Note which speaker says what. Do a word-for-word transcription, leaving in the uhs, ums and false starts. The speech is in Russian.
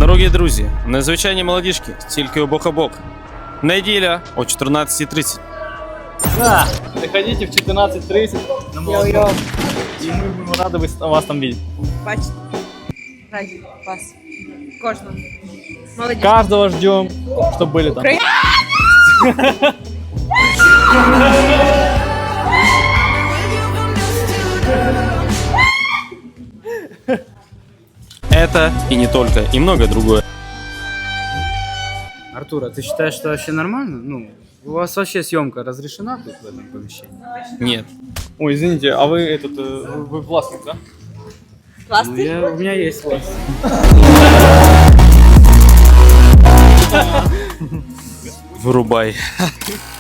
Speaker 1: Дорогі друзі, незвичайні молодіжки, тільки у бок о бок. Неділя о чотирнадцятій тридцять.
Speaker 2: Да, приходите в четырнадцать тридцать на молодежь, и мы будем рады вас- вас там видеть.
Speaker 3: Бачите, раді вас. Кожного. Молодіж.
Speaker 2: Каждого ждем, чтобы были там.
Speaker 3: Украина.
Speaker 1: Это и не только, и многое другое.
Speaker 4: Артур, а ты считаешь, что вообще нормально? Ну, у вас вообще съемка разрешена тут в этом помещении?
Speaker 1: Нет.
Speaker 2: Ой, извините, а вы этот, э, вы, вы властник, да?
Speaker 4: Ну,
Speaker 3: Класний.
Speaker 4: я, у меня есть власть.
Speaker 1: Вырубай.